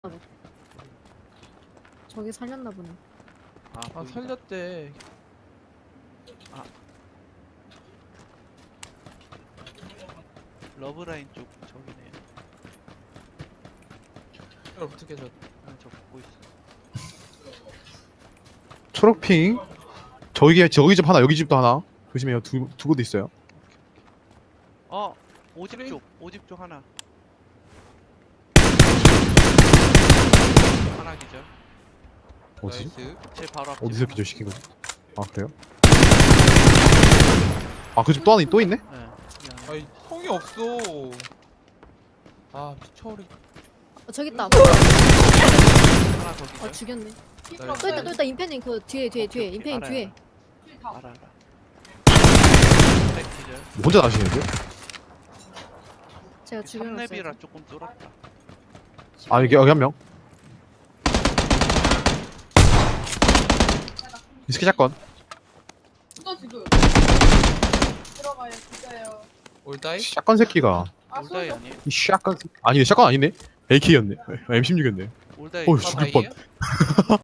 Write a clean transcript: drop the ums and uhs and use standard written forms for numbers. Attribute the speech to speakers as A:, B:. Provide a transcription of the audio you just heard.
A: 저기 살렸나 보네.
B: 아
C: 보인다.
B: 살렸대.
C: 러브라인 쪽 저기네요.
B: 이걸 어떻게 저?
C: 저 보고 있어.
D: 초록핑 저기 집 하나 여기 집도 하나 조심해요. 두 곳 있어요.
C: 오집 쪽, 오집 쪽 하나. 하나 기절.
D: 어디?
B: 나이스.
C: 제 바로 앞.
D: 어디서 기절시킨 거지? 아 그래요? 아 그 집 또 하나 또 있네?
C: 네.
B: 아이 통이 없어. 아 피처리.
A: 저기 있다.
C: 하나 더 기절.
A: 죽였네.
B: 나이스.
A: 또 있다, 또 있다. 임페님 그 뒤에, 뒤에. 임페님
C: 알아요,
A: 뒤에.
C: 알아. 백 기절.
D: 뭐 혼자 나시는데?
A: 제가 죽여놨어요.
C: 3렙이라 조금 쫄았다.
D: 아 여기 한 명. 이스키 사건.
E: 또 지금 들어가요 진짜요.
B: 올다이?
D: 샷건 새끼가
C: 올다이 아니에요?
D: 이 샷건 아니 샷건 아니네. AK였네. M16이었네.
C: 올다이.
D: 어휴 죽을 뻔.
B: 다이예요?